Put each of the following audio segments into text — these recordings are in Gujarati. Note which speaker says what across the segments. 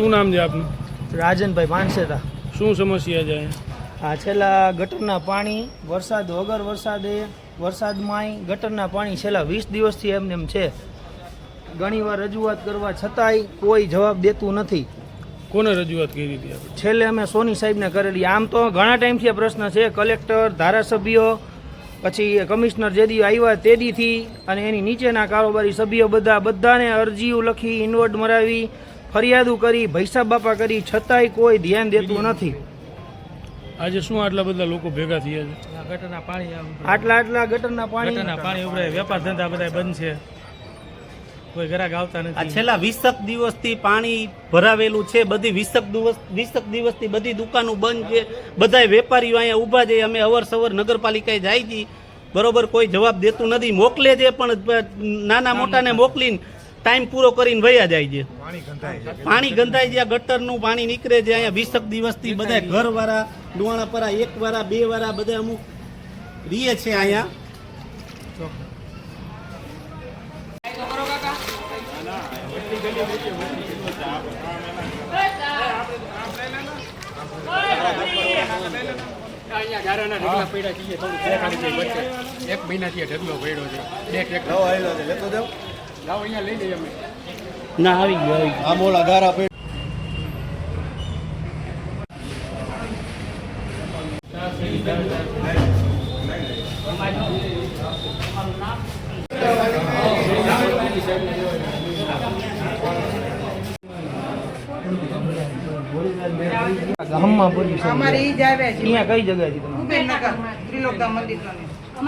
Speaker 1: શું નામ છે આપનું?
Speaker 2: રાજનભાઈ માનસેતા।
Speaker 1: શું સમસ્યા છે?
Speaker 2: આ છેલ્લા ગટરના પાણી વરસાદ વગર વરસાદમાંય ગટરના પાણી છેલ્લા 20 દિવસથી એમને એમ છે। ઘણીવાર રજૂઆત કરવા છતાંય કોઈ જવાબ દેતું નથી।
Speaker 1: કોને રજૂઆત કરી હતી આપણે?
Speaker 2: છેલ્લે અમે સોની સાહેબને કરેલી। આમ તો ઘણા ટાઈમથી આ પ્રશ્ન છે, કલેક્ટર, ધારાસભ્યો, પછી કમિશનર જે દી આવ્યા તે દીથી અને એની નીચેના કારોબારી સભ્યો બધાને અરજીઓ લખી, ઇન્વર્ટ મરાવી, ફરિયાદો કરી, ભૈસા બાપા કરી, છતાંય કોઈ ધ્યાન દેતું નથી।
Speaker 1: આજે શું આટલા બધા લોકો ભેગા થયા છે?
Speaker 2: ગટરના પાણી આટલા ગટરના પાણી ઉભરાય, વેપાર ધંધા બધા બંધ છે, કોઈ ગ્રાહક આવતા નથી।
Speaker 3: આ છેલ્લા 20 દિવસથી પાણી ભરાવેલું છે, બધી 20 દિવસથી બધી દુકાનો બંધ છે, બધા વેપારીઓ અહીંયા ઊભા છે। અમે અવરસવર નગરપાલિકાએ જાય છે, બરોબર, કોઈ જવાબ દેતું નથી। મોકલે છે પણ નાના મોટાને મોકલીને ટાઈમ પૂરો કરીને વયા જાય છે। પાણી ગંધાય છે, ગટરનું પાણી નીકળે છે અહીંયા 20 દિવસથી। બધા ઘરવાળા, ડુવાણાપરા, એક વાળા, બે વાળા બધા અમુક રીએ છે અહીંયા।
Speaker 4: એક મહિનાથી ઢગલો પડ્યો છે, લઈ જઈએ અમે।
Speaker 3: ના આવી ગયો
Speaker 4: આ મોલા ગારા
Speaker 2: ગામમાં પૂરી છે અમારે ઈ જ આવે છે। અહીંયા કઈ જગ્યાએથી તમે?
Speaker 5: કુબેરનગર ત્રિલોકધામ મંદિર કને।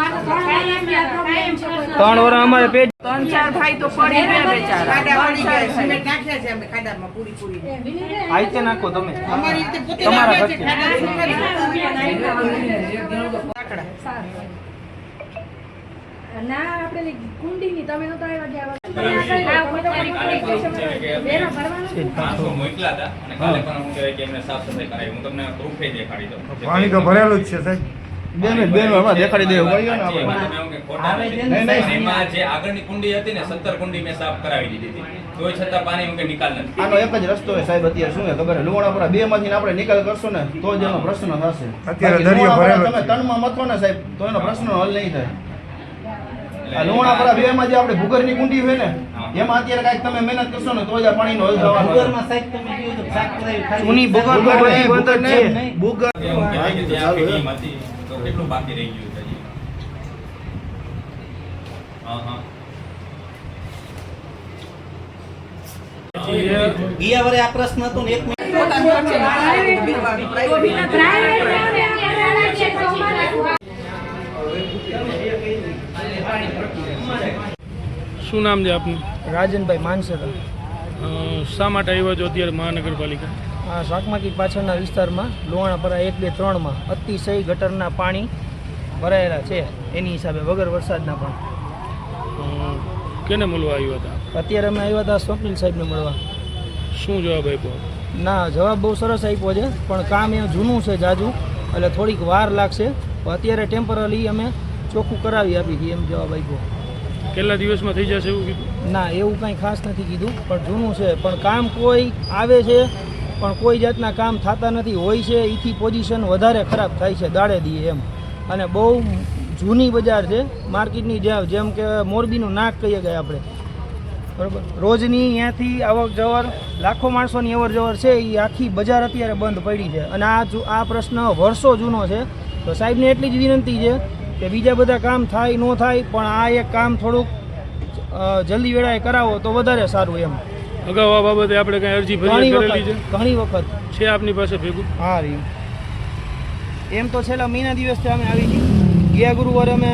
Speaker 2: 3 વર્ષ અમારે પેજ
Speaker 5: 3-4 ભાઈ તો પડી ગયા બેચારા, ખાડા પડી ગયા, સિમેન્ટ નાખ્યા છે અમે ખાડામાં પૂરી
Speaker 2: આઈતે નાખો તમે,
Speaker 5: અમારી રીતે પોતે
Speaker 2: તમારા
Speaker 5: નાખે છે
Speaker 2: ખર્ચે।
Speaker 5: ખાડા શું કરી
Speaker 6: ના આપણે કુંડીની તમે નતો આવ્યા
Speaker 7: પાણી તો ભરેલું જ છે સાહેબ।
Speaker 4: દેખાડી દે
Speaker 8: જે આગળની કુંડી હતી ને 17 કુંડી મેં સાફ કરાવી દીધી હતી, તોય છતાં પાણી નિકાલ નથી।
Speaker 4: આનો એક જ રસ્તો છે સાહેબ, અત્યારે શું છે ખબર છે, લુવાણાપરા 2 માંથી આપણે નિકાલ કરશો ને તો જ એનો પ્રશ્ન થશે।
Speaker 7: અત્યારે દરિયો ભરેલો
Speaker 4: તમે 3 માં મથો ને સાહેબ તો એનો પ્રશ્ન હલ નહીં થાય। આ લુવાણાપરા 2 માં જે આપણે ભૂગર્ભની કુંડી હોય ને એમાં અત્યારે કાંઈક તમે મહેનત કરશો ને તો જ આ પાણીનો હલ થવાનો।
Speaker 3: ભૂગર્ભમાં સાહેબ તમે કીધું તો સાફ કરાવી,
Speaker 2: જૂની ભૂગર્ભ બધી બંધ જ છે।
Speaker 8: કેટલું બાકી રહી ગયું છે હજી?
Speaker 3: ગયા વરે આ પ્રશ્ન હતો ને 1
Speaker 1: શું નામ છે આપનું?
Speaker 2: રાજનભાઈ માનસેતા।
Speaker 1: શા માટે આવ્યા છો અત્યારે મહાનગરપાલિકા?
Speaker 2: આ શાકમાર્કેટ પાછળના વિસ્તારમાં લુવાણાપરા 1, 2, 3 માં અતિશય ગટરના પાણી ભરાયેલા છે, એની હિસાબે વગર વરસાદના પણ।
Speaker 1: કેને મળવા આવ્યા હતા?
Speaker 2: અત્યારે અમે આવ્યા હતા સ્વપ્નિલ સાહેબને મળવા।
Speaker 1: શું જવાબ આપ્યો?
Speaker 2: ના, જવાબ બહુ સરસ આપ્યો છે, પણ કામ એ જૂનું છે જાજુ, એટલે થોડીક વાર લાગશે, પણ અત્યારે ટેમ્પરરી અમે ચોખ્ખું કરાવી આપી હતી એમ જવાબ આપ્યો।
Speaker 1: કેટલા દિવસમાં થઈ જશે એવું કીધું?
Speaker 2: ના, એવું કાંઈ ખાસ નથી કીધું, પણ જૂનું છે, પણ કામ કોઈ આવે છે પણ કોઈ જાતના કામ થતા નથી, હોય છે એથી પોઝિશન વધારે ખરાબ થાય છે દાડે દીએ એમ। અને બહુ જૂની બજાર છે માર્કેટની, જેમ કે મોરબીનું નાક કહીએ ગયા આપણે, બરાબર, રોજની અહીંયાથી આવક જવર લાખો માણસોની અવર જવર છે, એ આખી બજાર અત્યારે બંધ પડી છે। અને આ પ્રશ્ન વર્ષો જૂનો છે, તો સાહેબને એટલી જ વિનંતી છે કે બીજા બધા કામ થાય ન થાય પણ આ એક કામ થોડુંક જલ્દી વેળાએ કરાવો તો વધારે સારું એમ।
Speaker 1: અગાઉ આ બાબતે આપણે કઈ અરજી કરેલી છે?
Speaker 2: ઘણી વખત
Speaker 1: છે આપની પાસે ભેગું?
Speaker 2: હા રી એમ તો છેલ્લા મહિના દિવસથી અમે આવી હતી। ગયા ગુરુવારે અમે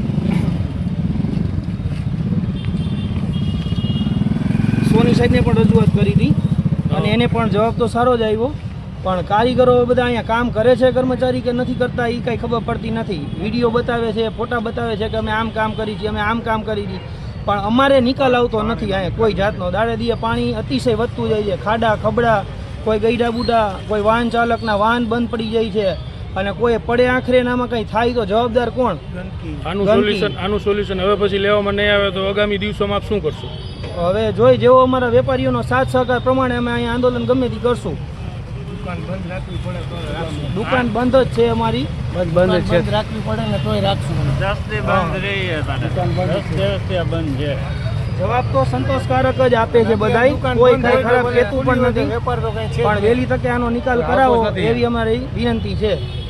Speaker 2: સોની સાહેબને પણ રજૂઆત કરી હતી અને એને પણ જવાબ તો સારો જ આવ્યો, પણ કારીગરો બધા અહીંયા કામ કરે છે કર્મચારી કે નથી કરતા એ કાંઈ ખબર પડતી નથી। વિડીયો બતાવે છે, ફોટા બતાવે છે કે અમે આમ કામ કરી છીએ, અમે આમ કામ કરી છીએ, પણ અમારે નિકાલ આવતો નથી અહીંયા કોઈ જાતનો। દાડે દીએ પાણી અતિશય વધતું જાય છે, ખાડા ખબડા, કોઈ ગઈડા બુડા, કોઈ વાહન ચાલકના વાહન બંધ પડી જાય છે, અને કોઈ પડે આખરે ને આમાં કંઈ થાય તો જવાબદાર કોણ?
Speaker 1: આનું સોલ્યુશન હવે પછી લેવામાં નહીં આવે તો આગામી દિવસોમાં આપ શું કરશો?
Speaker 2: હવે જોઈ જેવો અમારા વેપારીઓનો સાથ સહકાર પ્રમાણે અમે અહીંયા આંદોલન ગમે તે કરશું. દુકાન બંધ જ છે અમારી, બંધ છે, રાખવી પડે ને તોય રાખશું. જવાબ તો સંતોષકારક જ આપે છે બધાય, કોઈ કઈ ખરાબ કહેતું પણ નથી, પણ વહેલી તકે આનો નિકાલ કરાવો એવી અમારી વિનંતી છે.